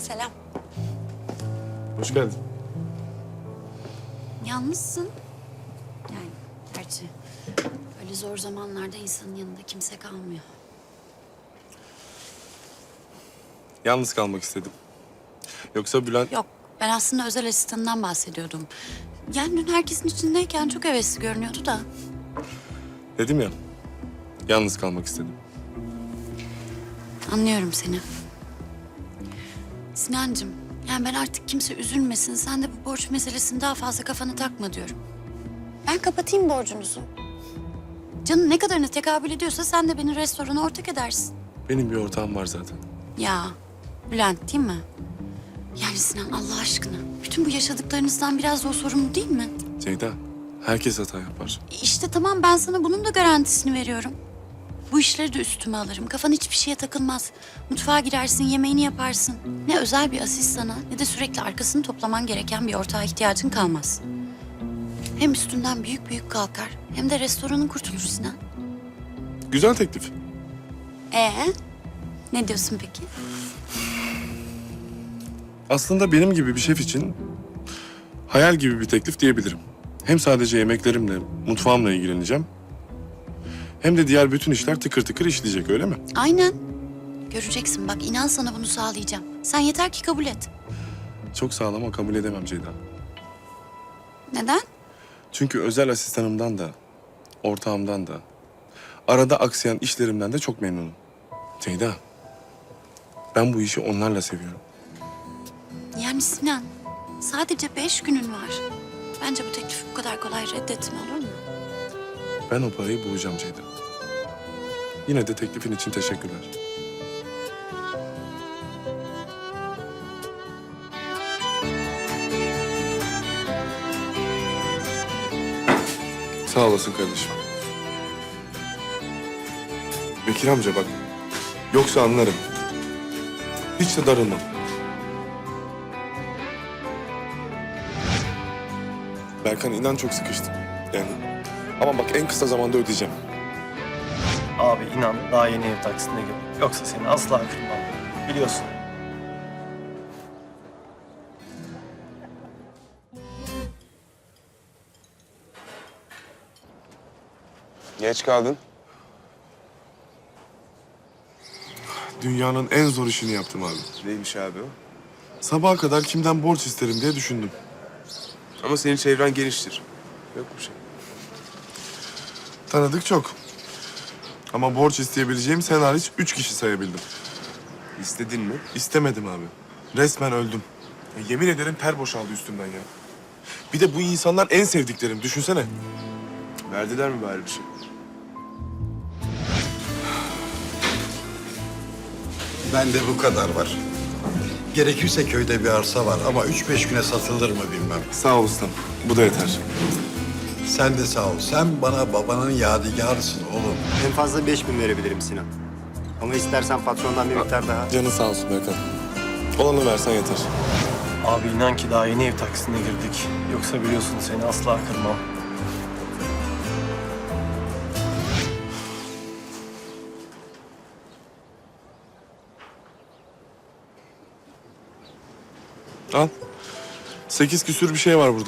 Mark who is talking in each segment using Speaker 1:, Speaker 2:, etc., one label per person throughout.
Speaker 1: Selam.
Speaker 2: Hoş geldin.
Speaker 1: Yalnızsın. Yani gerçi öyle zor zamanlarda insanın yanında kimse kalmıyor.
Speaker 2: Yalnız kalmak istedim. Yoksa Bülent...
Speaker 1: Yok, ben aslında özel asistanından bahsediyordum. Yani dün herkesin içindeyken çok hevesli görünüyordu da.
Speaker 2: Dedim ya, yalnız kalmak istedim.
Speaker 1: Anlıyorum seni. Sinancığım, yani ben artık kimse üzülmesin. Sen de bu borç meselesini daha fazla kafana takma diyorum. Ben kapatayım borcunuzu. Canın ne kadarına tekabül ediyorsa sen de beni restorana ortak edersin.
Speaker 2: Benim bir ortağım var zaten.
Speaker 1: Ya, Bülent değil mi? Yani Sinan Allah aşkına, bütün bu yaşadıklarınızdan biraz da o sorumlu değil mi?
Speaker 2: Ceyda, herkes hata yapar.
Speaker 1: İşte tamam, ben sana bunun da garantisini veriyorum. Bu işleri de üstüme alırım. Kafan hiçbir şeye takılmaz. Mutfağa girersin, yemeğini yaparsın. Ne özel bir asistana ne de sürekli arkasını toplaman gereken bir ortağa ihtiyacın kalmaz. Hem üstünden büyük büyük kalkar hem de restoranın kurtulur Sinan.
Speaker 2: Güzel teklif.
Speaker 1: Ne diyorsun peki?
Speaker 2: Aslında benim gibi bir şef için hayal gibi bir teklif diyebilirim. Hem sadece yemeklerimle, mutfağımla ilgileneceğim. Hem de diğer bütün işler tıkır tıkır işleyecek, öyle mi?
Speaker 1: Aynen. Göreceksin bak, inan sana bunu sağlayacağım. Sen yeter ki kabul et.
Speaker 2: Çok sağlam ama kabul edemem Ceyda.
Speaker 1: Neden?
Speaker 2: Çünkü özel asistanımdan da, ortağımdan da, arada aksayan işlerimden de çok memnunum. Ceyda, ben bu işi onlarla seviyorum.
Speaker 1: Yani Sinan, sadece 5 günün var. Bence bu teklifi bu kadar kolay reddetme, olur mu?
Speaker 2: Ben o parayı bulacağım Ceyda. Yine de teklifin için teşekkürler. Sağ olasın kardeşim. Bekir amca bak. Yoksa anlarım. Hiç de darılmam. Berkan inan çok sıkıştım. Yani ama bak en kısa zamanda ödeyeceğim.
Speaker 3: Abi inan daha yeni ev taksitine girdim. Yoksa seni asla kırmam. Biliyorsun.
Speaker 4: Geç kaldın.
Speaker 2: Dünyanın en zor işini yaptım abi.
Speaker 4: Neymiş abi o?
Speaker 2: Sabaha kadar kimden borç isterim diye düşündüm.
Speaker 4: Ama senin çevren geniştir. Yok bir şey.
Speaker 2: Tanıdık çok. Ama borç isteyebileceğim sen hariç 3 kişi sayabildim.
Speaker 4: İstedin mi?
Speaker 2: İstemedim abi. Resmen öldüm. Ya yemin ederim ter boşaldı üstümden ya. Bir de bu insanlar en sevdiklerim. Düşünsene.
Speaker 4: Verdiler mi bari bir şey?
Speaker 5: Bende bu kadar var. Gerekirse köyde bir arsa var ama 3-5 güne satılır mı bilmem.
Speaker 2: Sağ ol ustam. Bu da yeter.
Speaker 5: Sen de sağ ol. Sen bana babanın yadigarısın oğlum.
Speaker 6: En fazla 5.000 verebilirim Sinan. Ama istersen patrondan bir miktar daha.
Speaker 2: Canın sağ olsun Berkan. Olanı versen yeter.
Speaker 3: Abi inan ki daha yeni ev taksitine girdik. Yoksa biliyorsun seni asla kırmam.
Speaker 2: Al. 8 küsür bir şey var burada.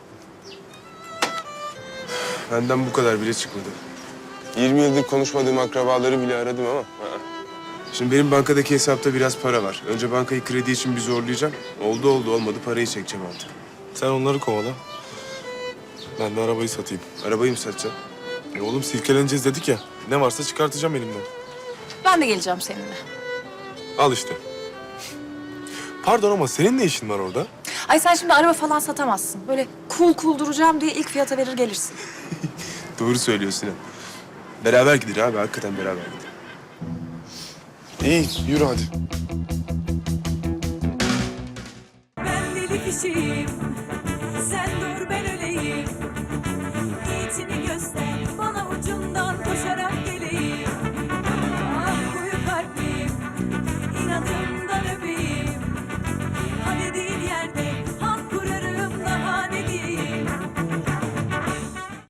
Speaker 4: Benden bu kadar bile çıkmadı. 20 yıldır konuşmadığım akrabaları bile aradım ama. Şimdi benim bankadaki hesapta biraz para var. Önce bankayı kredi için bir zorlayacağım. Oldu olmadı parayı çekeceğim artık.
Speaker 2: Sen onları kovala. Ben de arabayı satayım.
Speaker 4: Arabayı mı satacağım?
Speaker 2: Oğlum silkeleneceğiz dedik ya. Ne varsa çıkartacağım elimden.
Speaker 7: Ben de geleceğim seninle.
Speaker 2: Al işte. Pardon ama senin ne işin var orada?
Speaker 7: Ay sen şimdi araba falan satamazsın. Böyle cool duracağım diye ilk fiyata verir gelirsin.
Speaker 4: Doğru söylüyorsun Sinan. Beraber gidelim abi. Hakikaten beraber gidelim.
Speaker 2: İyi, yürü hadi.
Speaker 8: Ben deli kişiyim, sen